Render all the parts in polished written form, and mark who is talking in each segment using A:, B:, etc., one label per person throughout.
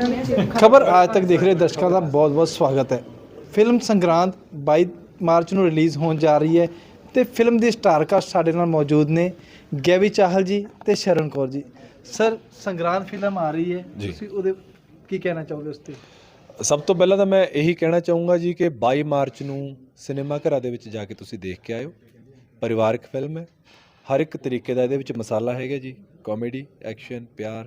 A: खबर आज तक देख रहे दर्शकों का बहुत बहुत स्वागत है। ਫਿਲਮ ਸੰਗਰਾਂਦ 22 ਮਾਰਚ ਨੂੰ ਰਿਲੀਜ਼ ਹੋਣ ਜਾ ਰਹੀ ਹੈ ਤੇ ਫਿਲਮ ਦੀ ਸਟਾਰ ਕਾਸਟ ਸਾਡੇ ਨਾਲ ਮੌਜੂਦ ਨੇ ਗੈਵੀ ਚਾਹਲ ਜੀ ਤੇ ਸ਼ਰਨ ਕੌਰ ਜੀ। ਸਰ ਸੰਗਰਾਂਦ ਫਿਲਮ ਆ ਰਹੀ ਹੈ, ਤੁਸੀਂ ਉਹਦੇ ਕੀ ਕਹਿਣਾ ਚਾਹੋਗੇ ਉਸ ਤੇ?
B: ਸਭ ਤੋਂ ਪਹਿਲਾਂ ਤਾਂ ਮੈਂ ਇਹੀ ਕਹਿਣਾ ਚਾਹੂੰਗਾ ਜੀ ਕਿ 22 ਮਾਰਚ ਨੂੰ ਸਿਨੇਮਾ ਘਰਾਂ ਦੇ ਵਿੱਚ ਜਾ ਕੇ ਤੁਸੀਂ ਦੇਖ ਕੇ ਆਇਓ। ਪਰਿਵਾਰਕ ਫਿਲਮ ਹੈ, ਹਰ ਇੱਕ ਤਰੀਕੇ ਦਾ ਇਹਦੇ ਵਿੱਚ ਮਸਾਲਾ ਹੈਗਾ ਜੀ, ਕਾਮੇਡੀ, ਐਕਸ਼ਨ, ਪਿਆਰ,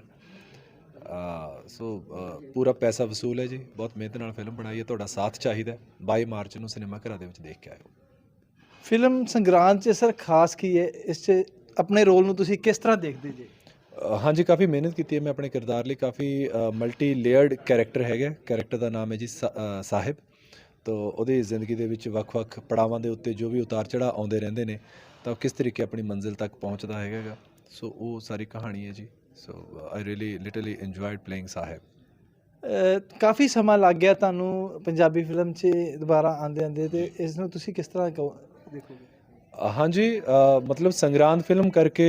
B: ਸੋ ਪੂਰਾ ਪੈਸਾ ਵਸੂਲ ਹੈ ਜੀ। ਬਹੁਤ ਮਿਹਨਤ ਨਾਲ ਫਿਲਮ ਬਣਾਈ ਹੈ, ਤੁਹਾਡਾ ਸਾਥ ਚਾਹੀਦਾ। 22 ਮਾਰਚ ਨੂੰ ਸਿਨੇਮਾ ਘਰਾਂ ਦੇ ਵਿੱਚ ਦੇਖ ਕੇ ਆਇਓ। ਫਿਲਮ
A: ਸੰਗਰਾਂਦ 'ਚ ਸਰ ਖਾਸ ਕੀ ਹੈ, ਇਸ 'ਚ ਆਪਣੇ ਰੋਲ ਨੂੰ ਤੁਸੀਂ ਕਿਸ ਤਰ੍ਹਾਂ ਦੇਖਦੇ ਜੀ?
B: ਹਾਂਜੀ, ਕਾਫੀ ਮਿਹਨਤ ਕੀਤੀ ਹੈ ਮੈਂ ਆਪਣੇ ਕਿਰਦਾਰ ਲਈ। ਕਾਫੀ ਮਲਟੀ ਲੇਅਰਡ ਕੈਰੈਕਟਰ ਹੈਗਾ। ਕੈਰੈਕਟਰ ਦਾ ਨਾਮ ਹੈ ਜੀ ਸਾਹਿਬ। ਤੋ ਉਹਦੀ ਜ਼ਿੰਦਗੀ ਦੇ ਵਿੱਚ ਵੱਖ-ਵੱਖ ਪੜਾਵਾਂ ਦੇ ਉੱਤੇ ਜੋ ਵੀ ਉਤਾਰ ਚੜ੍ਹਾਅ ਆਉਂਦੇ ਰਹਿੰਦੇ ਨੇ, ਤਾਂ ਉਹ ਕਿਸ ਤਰੀਕੇ ਆਪਣੀ ਮੰਜ਼ਿਲ ਤੱਕ ਪਹੁੰਚਦਾ ਹੈਗਾ। ਸੋ ਉਹ ਸਾਰੀ ਕਹਾਣੀ ਹੈ ਜੀ। So I really literally enjoyed playing Sahib.
A: ਕਾਫੀ ਸਮਾਂ ਲੱਗ ਗਿਆ ਤੁਹਾਨੂੰ ਪੰਜਾਬੀ ਫਿਲਮ 'ਚ ਦੁਬਾਰਾ ਆਉਂਦੇ ਤੇ ਇਸ ਨੂੰ ਤੁਸੀਂ ਕਿਸ ਤਰ੍ਹਾਂ ਦੇਖੋਗੇ?
B: ਹਾਂਜੀ, ਮਤਲਬ ਸੰਗਰਾਂਦ ਫਿਲਮ ਕਰਕੇ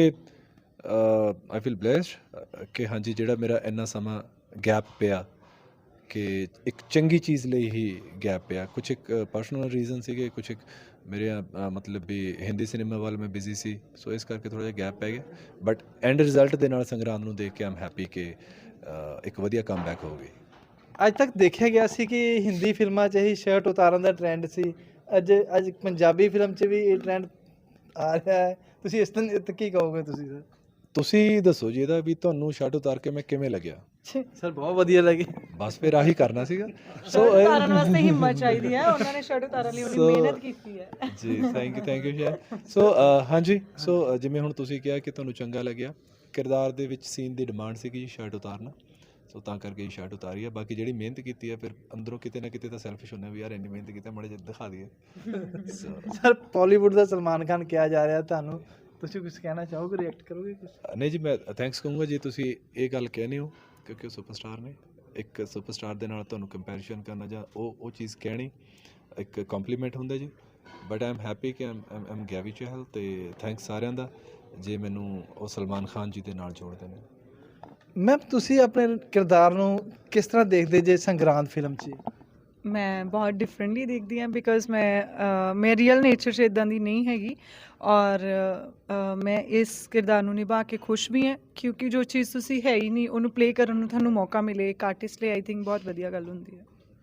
B: ਆਈ ਫੀਲ ਬਲੈਸਡ ਕਿ ਹਾਂਜੀ ਜਿਹੜਾ ਮੇਰਾ ਇੰਨਾ ਸਮਾਂ ਗੈਪ ਪਿਆ, ਕਿ ਇੱਕ ਚੰਗੀ ਚੀਜ਼ ਲਈ ਹੀ ਗੈਪ ਪਿਆ। ਕੁਛ ਇੱਕ ਪਰਸਨਲ ਰੀਜ਼ਨ ਸੀਗੇ, ਕੁਛ ਇੱਕ ਮੇਰੇ ਮਤਲਬ ਵੀ ਹਿੰਦੀ ਸਿਨੇਮਾ ਵੱਲ ਮੈਂ ਬਿਜ਼ੀ ਸੀ, ਸੋ ਇਸ ਕਰਕੇ ਥੋੜ੍ਹਾ ਜਿਹਾ ਗੈਪ ਪੈ ਗਿਆ। ਬਟ ਐਂਡ ਰਿਜ਼ਲਟ ਦੇ ਨਾਲ ਸੰਗਰਾਂਦ ਨੂੰ ਦੇਖ ਕੇ ਆਮ ਹੈਪੀ ਕਿ ਇੱਕ ਵਧੀਆ ਕਮਬੈਕ ਹੋ ਗਈ।
A: ਅੱਜ ਤੱਕ ਦੇਖਿਆ ਗਿਆ ਸੀ ਕਿ ਹਿੰਦੀ ਫਿਲਮਾਂ 'ਚ ਹੀ ਸ਼ਰਟ ਉਤਾਰਨ ਦਾ ਟਰੈਂਡ ਸੀ, ਅੱਜ ਪੰਜਾਬੀ ਫਿਲਮ 'ਚ ਵੀ ਇਹ ਟਰੈਂਡ ਆ ਰਿਹਾ ਹੈ। ਤੁਸੀਂ ਇਸ ਤੇ ਕੀ ਕਹੋਗੇ ਤੁਸੀਂ ਸਰ?
B: ਤੁਸੀਂ ਦੱਸੋ ਜੀ ਇਹਦਾ ਵੀ ਤੁਹਾਨੂੰ ਸ਼ਰਟ ਉਤਾਰ ਕੇ ਮੈਂ ਕਿਵੇਂ ਲੱਗਿਆ?
A: ਸਰ ਬਹੁਤ ਵਧੀਆ ਲੱਗੀ।
B: ਬਸ ਫਿਰ ਆਹੀ ਕਰਨਾ ਸੀਗਾ।
C: ਸੋ ਉਤਾਰਨ ਵਾਸਤੇ ਹਿੰਮਤ ਚਾਹੀਦੀ ਹੈ, ਉਹਨਾਂ ਨੇ ਸ਼ਰਟ ਉਤਾਰਨ ਲਈ ਉਹਨੇ ਮਿਹਨਤ ਕੀਤੀ ਹੈ
B: ਜੀ। ਥੈਂਕ ਯੂ ਸ਼ਾਇਰ। ਸੋ ਹਾਂਜੀ, ਸੋ ਜਿਵੇਂ ਹੁਣ ਤੁਸੀਂ ਕਿਹਾ ਕਿ ਤੁਹਾਨੂੰ ਚੰਗਾ ਲੱਗਿਆ, ਕਿਰਦਾਰ ਦੇ ਵਿੱਚ ਸੀਨ ਦੀ ਡਿਮਾਂਡ ਸੀਗੀ ਸ਼ਰਟ ਉਤਾਰਨਾ, ਸੋ ਤਾਂ ਕਰਕੇ ਸ਼ਰਟ ਉਤਾਰੀ ਹੈ। ਬਾਕੀ ਜਿਹੜੀ ਮਿਹਨਤ ਕੀਤੀ ਹੈ, ਫਿਰ ਅੰਦਰੋਂ ਕਿਤੇ ਨਾ ਕਿਤੇ ਤਾਂ ਸੈਲਫਿਸ਼ ਹੁੰਦੇ ਵੀ ਯਾਰ ਇੰਨੀ ਮਿਹਨਤ ਕੀਤੀ, ਮਾੜੇ ਜਿਹੇ ਦਿਖਾ ਦਈਏ।
A: ਸਰ ਬਾਲੀਵੁੱਡ ਦਾ ਸਲਮਾਨ ਖਾਨ ਕਿਹਾ ਜਾ ਰਿਹਾ ਤੁਹਾਨੂੰ, ਤੁਸੀਂ ਕੁਝ ਕਹਿਣਾ ਚਾਹੋਗੇ, ਰਿਐਕਟ ਕਰੋਗੇ ਕੁਝ?
B: ਨਹੀਂ ਜੀ, ਮੈਂ ਥੈਂਕਸ ਕਹੂੰਗਾ ਜੀ ਤੁਸੀਂ ਇਹ ਗੱਲ ਕਹਿੰਦੇ ਹੋ, ਕਿਉਂਕਿ ਉਹ ਸੁਪਰਸਟਾਰ ਨੇ। ਇੱਕ ਸੁਪਰਸਟਾਰ ਦੇ ਨਾਲ ਤੁਹਾਨੂੰ ਕੰਪੈਰੀਸ਼ਨ ਕਰਨਾ ਜਾਂ ਉਹ ਚੀਜ਼ ਕਹਿਣੀ ਇੱਕ ਕੰਪਲੀਮੈਂਟ ਹੁੰਦਾ ਜੀ। ਬਟ ਆਈ ਐਮ ਹੈਪੀ ਕਿ ਆਮ ਗੈਵੀ ਚਾਹਲ, ਅਤੇ ਥੈਂਕਸ ਸਾਰਿਆਂ ਦਾ ਜੇ ਮੈਨੂੰ ਉਹ ਸਲਮਾਨ ਖਾਨ ਜੀ ਦੇ ਨਾਲ ਜੋੜਦੇ ਨੇ।
A: ਮੈਮ ਤੁਸੀਂ ਆਪਣੇ ਕਿਰਦਾਰ ਨੂੰ ਕਿਸ ਤਰ੍ਹਾਂ ਦੇਖਦੇ ਜੇ ਸੰਗਰਾਂਦ ਫਿਲਮ 'ਚ?
C: ਮੈਂ ਬਹੁਤ ਡਿਫਰੈਂਟਲੀ ਦੇਖਦੀ ਹਾਂ, ਬਿਕੋਜ਼ ਮੈਂ ਰੀਅਲ ਨੇਚਰ 'ਚ ਇੱਦਾਂ ਦੀ ਨਹੀਂ ਹੈਗੀ, ਔਰ ਮੈਂ ਇਸ ਕਿਰਦਾਰ ਨੂੰ ਨਿਭਾ ਕੇ ਖੁਸ਼ ਵੀ ਹਾਂ, ਕਿਉਂਕਿ ਜੋ ਚੀਜ਼ ਤੁਸੀਂ ਹੈ ਹੀ ਨਹੀਂ ਉਹਨੂੰ ਪਲੇ ਕਰਨ ਨੂੰ ਤੁਹਾਨੂੰ ਮੌਕਾ ਮਿਲੇ ਇੱਕ ਆਰਟਿਸਟ ਲਈ, ਆਈ ਥਿੰਕ ਬਹੁਤ ਵਧੀਆ ਗੱਲ ਹੁੰਦੀ ਹੈ।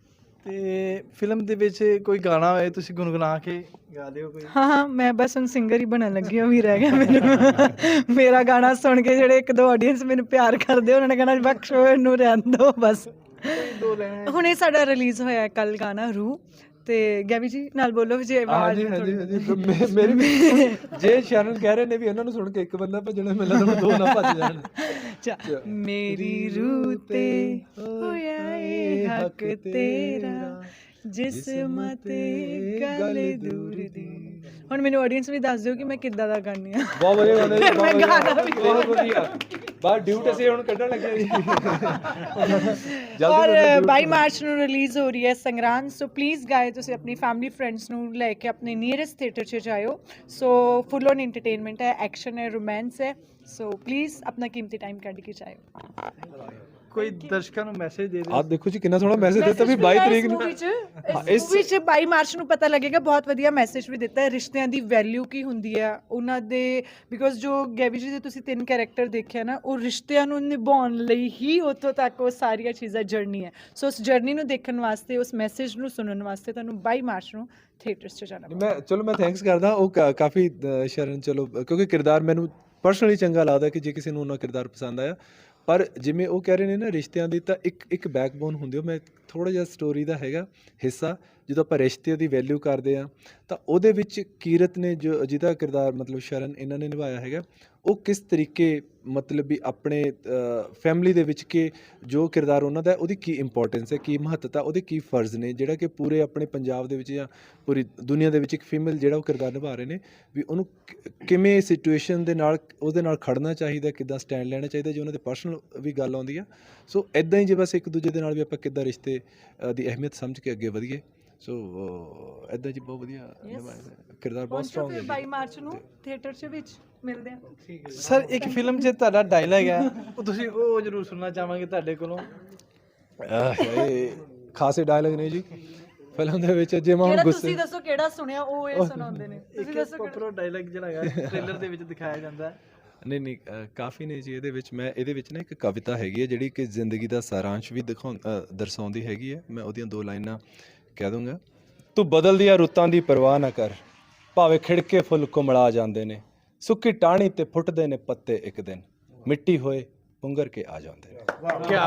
A: ਤੇ ਫਿਲਮ ਦੇ ਵਿੱਚ ਕੋਈ ਗਾਣਾ ਹੋਏ ਤੁਸੀਂ ਗੁਣਗੁਣਾ ਕੇ ਗਾ ਦਿਓ ਕੋਈ?
C: ਹਾਂ, ਮੈਂ ਬਸ ਹੁਣ ਸਿੰਗਰ ਹੀ ਬਣਨ ਲੱਗੀ ਹਾਂ, ਵੀ ਰਹਿ ਗਿਆ ਮੈਨੂੰ ਮੇਰਾ ਗਾਣਾ ਸੁਣ ਕੇ ਜਿਹੜੇ ਇੱਕ ਦੋ ਆਡੀਅנס ਮੈਨੂੰ ਪਿਆਰ ਕਰਦੇ, ਉਹਨਾਂ ਨੇ ਕਹਿਣਾ ਬਖਸ਼ੋ ਇਹਨੂੰ ਰਹਿਣ ਦਿਓ ਬਸ। ਹੁਣ ਇਹ ਸਾਡਾ ਰਿਲੀਜ਼ ਹੋਇਆ ਕੱਲ ਗਾਣਾ ਰੂ, ਤੇ ਗੈਵੀ ਜੀ ਨਾਲ ਬੋਲੋ ਜੇ ਆਵਾਜ਼।
B: ਮੇਰੀ ਵੀ ਜੇ ਸ਼ਰਨ ਕਹਿ ਰਹੇ ਨੇ ਵੀ ਇਹਨਾਂ ਨੂੰ ਸੁਣ ਕੇ ਇੱਕ ਬੰਦਾ ਭੱਜਣਾ, ਮੈਨੂੰ ਲੱਗਦਾ ਦੋ ਨਾ ਭੱਜ ਜਾਣ।
C: ਮੇਰੀ ਰੂ ਤੇ ਹੋਇਆ ਏ ਹੱਕ ਤੇਰਾ, ਜਿਸਮ ਤੇ ਗੱਲ ਦੂਰ ਦੀ। ਹੁਣ ਮੈਨੂੰ ਆਡੀਅנס ਵੀ ਦੱਸ ਦਿਓ ਕਿ ਮੈਂ ਕਿੱਦਾਂ ਦਾ ਗਾਉਂਦੀ ਹਾਂ।
B: ਬਹੁਤ ਵਧੀਆ ਗਾਣਾ ਜੀ, ਬਹੁਤ ਵਧੀਆ। ਬਾਹਰ ਡਿਊਟ ਅਸੀਂ ਹੁਣ ਕੱਢਣ ਲੱਗੇ ਜੀ।
C: ਔਰ 22 ਮਾਰਚ ਨੂੰ ਰਿਲੀਜ਼ ਹੋ ਰਹੀ ਹੈ ਸੰਗਰਾਂਦ, ਸੋ ਪਲੀਜ਼ ਗਾਏ ਤੁਸੀਂ ਆਪਣੀ ਫੈਮਿਲੀ ਫਰੈਂਡਸ ਨੂੰ ਲੈ ਕੇ ਆਪਣੇ ਨੀਅਰੈਸਟ ਥੀਏਟਰ 'ਚ ਜਾਇਓ। ਸੋ ਫੁੱਲ ਔਨ ਇੰਟਰਟੇਨਮੈਂਟ ਹੈ, ਐਕਸ਼ਨ ਹੈ, ਰੋਮਾਂਸ ਹੈ, ਸੋ ਪਲੀਜ਼ ਆਪਣਾ ਕੀਮਤੀ ਟਾਈਮ ਕੱਢ ਕੇ ਜਾਇਓ।
A: ਕੋਈ ਦਰਸ਼ਕਾਂ ਨੂੰ ਮੈਸੇਜ ਦੇ ਦਿਓ।
B: ਆਹ ਦੇਖੋ ਜੀ ਕਿੰਨਾ ਸੋਹਣਾ ਮੈਸੇਜ ਦਿੱਤਾ ਵੀ 22 ਤਰੀਕ ਨੂੰ
C: ਇਸ ਵਿੱਚ 22 ਮਾਰਚ ਨੂੰ ਪਤਾ ਲੱਗੇਗਾ। ਬਹੁਤ ਵਧੀਆ ਮੈਸੇਜ ਵੀ ਦਿੱਤਾ ਹੈ, ਰਿਸ਼ਤਿਆਂ ਦੀ ਵੈਲਿਊ ਕੀ ਹੁੰਦੀ ਹੈ ਉਹਨਾਂ ਦੇ, ਬਿਕੋਜ਼ ਜੋ ਗੈਵੀ ਜੀ ਦੇ ਤੁਸੀਂ 3 ਕੈਰੈਕਟਰ ਦੇਖਿਆ ਨਾ, ਉਹ ਰਿਸ਼ਤਿਆਂ ਨੂੰ ਨਿਭਾਉਣ ਲਈ ਹੀ ਉੱਥੋਂ ਤੱਕ ਉਹ ਸਾਰੀਆਂ ਚੀਜ਼ਾਂ ਜਰਨੀ ਹੈ। ਸੋ ਉਸ ਜਰਨੀ ਨੂੰ ਦੇਖਣ ਵਾਸਤੇ, ਉਸ ਮੈਸੇਜ ਨੂੰ ਸੁਣਨ ਵਾਸਤੇ ਤੁਹਾਨੂੰ 22 ਮਾਰਚ ਨੂੰ ਥੀਏਟਰਸ 'ਚ ਜਾਣਾ।
B: ਮੈਂ ਥੈਂਕਸ ਕਰਦਾ ਉਹ ਕਾਫੀ ਸ਼ਰਨ, ਚਲੋ ਕਿਉਂਕਿ ਕਿਰਦਾਰ ਮੈਨੂੰ ਪਰਸਨਲੀ ਚੰਗਾ ਲੱਗਦਾ ਕਿ ਜੇ ਕਿਸੇ ਨੂੰ ਉਹਨਾਂ ਕਿਰਦਾਰ ਪਸੰਦ ਆਇਆ। ਪਰ ਜਿਵੇਂ ਉਹ ਕਹਿ ਰਹੇ ਨੇ ਨਾ ਰਿਸ਼ਤਿਆਂ ਦੀ, ਤਾਂ ਇੱਕ ਬੈਕਬੋਨ ਹੁੰਦੀ ਉਹ। ਮੈਂ ਥੋੜ੍ਹਾ ਜਿਹਾ ਸਟੋਰੀ ਦਾ ਹੈਗਾ ਹਿੱਸਾ, ਜਦੋਂ ਆਪਾਂ ਰਿਸ਼ਤੇ ਦੀ ਵੈਲਿਊ ਕਰਦੇ ਹਾਂ, ਤਾਂ ਉਹਦੇ ਵਿੱਚ ਕੀਰਤ ਨੇ ਜੋ ਜਿਹਦਾ ਕਿਰਦਾਰ ਮਤਲਬ ਸ਼ਰਨ ਇਹਨਾਂ ਨੇ ਨਿਭਾਇਆ ਹੈਗਾ, ਉਹ ਕਿਸ ਤਰੀਕੇ ਮਤਲਬ ਵੀ ਆਪਣੇ ਫੈਮਿਲੀ ਦੇ ਵਿੱਚ ਕਿ ਜੋ ਕਿਰਦਾਰ ਉਹਨਾਂ ਦਾ ਉਹਦੀ ਕੀ ਇੰਪੋਰਟੈਂਸ ਹੈ, ਕੀ ਮਹੱਤਤਾ, ਉਹਦੇ ਕੀ ਫਰਜ਼ ਨੇ, ਜਿਹੜਾ ਕਿ ਪੂਰੇ ਆਪਣੇ ਪੰਜਾਬ ਦੇ ਵਿੱਚ ਜਾਂ ਪੂਰੀ ਦੁਨੀਆ ਦੇ ਵਿੱਚ ਇੱਕ ਫੀਮੇਲ ਜਿਹੜਾ ਉਹ ਕਿਰਦਾਰ ਨਿਭਾ ਰਹੇ ਨੇ, ਵੀ ਉਹਨੂੰ ਕਿਵੇਂ ਸਿਚੁਏਸ਼ਨ ਦੇ ਨਾਲ ਉਹਦੇ ਨਾਲ ਖੜਨਾ ਚਾਹੀਦਾ, ਕਿੱਦਾਂ ਸਟੈਂਡ ਲੈਣਾ ਚਾਹੀਦਾ ਜੇ ਉਹਨਾਂ ਦੇ ਪਰਸਨਲ ਵੀ ਗੱਲ ਆਉਂਦੀ ਆ। ਸੋ ਇੱਦਾਂ ਹੀ ਜੇ ਬਸ ਇੱਕ ਦੂਜੇ ਦੇ ਨਾਲ ਵੀ ਆਪਾਂ ਕਿੱਦਾਂ ਰਿਸ਼ਤੇ ਦੀ ਅਹਿਮੀਅਤ ਸਮਝ ਕੇ ਅੱਗੇ ਵਧੀਏ। ਸੋ ਇੱਦਾਂ ਜੀ ਬਹੁਤ ਵਧੀਆ ਕਿਰਦਾਰ, ਬਹੁਤ ਸਟਰੋਂਗ ਹੈ।
C: 22 ਮਾਰਚ ਨੂੰ ਥੀਏਟਰ 'ਚ ਵਿੱਚ ਮਿਲਦੇ ਹਾਂ।
A: ਸਰ ਇੱਕ ਫਿਲਮ 'ਚ ਤੁਹਾਡਾ ਡਾਇਲੌਗ ਹੈ, ਉਹ ਤੁਸੀਂ ਉਹ ਜ਼ਰੂਰ ਸੁਣਨਾ ਚਾਹਾਂਗੇ ਤੁਹਾਡੇ ਕੋਲੋਂ।
B: ਇਹ ਖਾਸੇ ਡਾਇਲੌਗ ਨੇ ਜੀ ਫਿਲਮ ਦੇ ਵਿੱਚ, ਜੇ ਮੈਂ ਹੁਣ
C: ਕਿਹੜਾ
B: ਗੁੱਸੇ
C: ਤੁਸੀਂ ਦੱਸੋ ਕਿਹੜਾ ਸੁਣਿਆ ਉਹ ਇਹ ਸੁਣਾਉਂਦੇ ਨੇ, ਤੁਸੀਂ ਦੱਸੋ ਕਿਹੜਾ?
A: ਪ੍ਰੋਪਰ ਡਾਇਲੌਗ ਜਿਹੜਾ ਹੈਗਾ ਟ੍ਰੇਲਰ ਦੇ ਵਿੱਚ ਦਿਖਾਇਆ ਜਾਂਦਾ ਹੈ।
B: ਨਹੀਂ ਨਹੀਂ ਕਾਫੀ ਨੇ ਜੀ ਇਹਦੇ ਵਿੱਚ। ਮੈਂ ਇਹਦੇ ਵਿੱਚ ਨਾ ਇੱਕ ਕਵਿਤਾ ਹੈਗੀ ਹੈ ਜਿਹੜੀ ਕਿ ਜ਼ਿੰਦਗੀ ਦਾ ਸਾਰਾਂਸ਼ ਵੀ ਦਰਸਾਉਂਦੀ ਹੈਗੀ ਹੈ। ਮੈਂ ਉਹਦੀਆਂ 2 ਲਾਈਨਾਂ ਕਹਿ ਦੂੰਗਾ। ਤੂੰ ਬਦਲਦੀਆਂ ਰੁੱਤਾਂ ਦੀ ਪਰਵਾਹ ਨਾ ਕਰ, ਭਾਵੇਂ ਖਿੜਕੇ ਫੁੱਲ ਕੁਮਲਾ ਜਾਂਦੇ ਨੇ, ਸੁੱਕੀ ਟਾਹਣੀ ਤੇ ਫੁੱਟਦੇ ਨੇ ਪੱਤੇ, ਇੱਕ ਦਿਨ ਮਿੱਟੀ ਹੋਏ ਪੁੰਗਰ ਕੇ ਆ ਜਾਂਦੇ ਨੇ।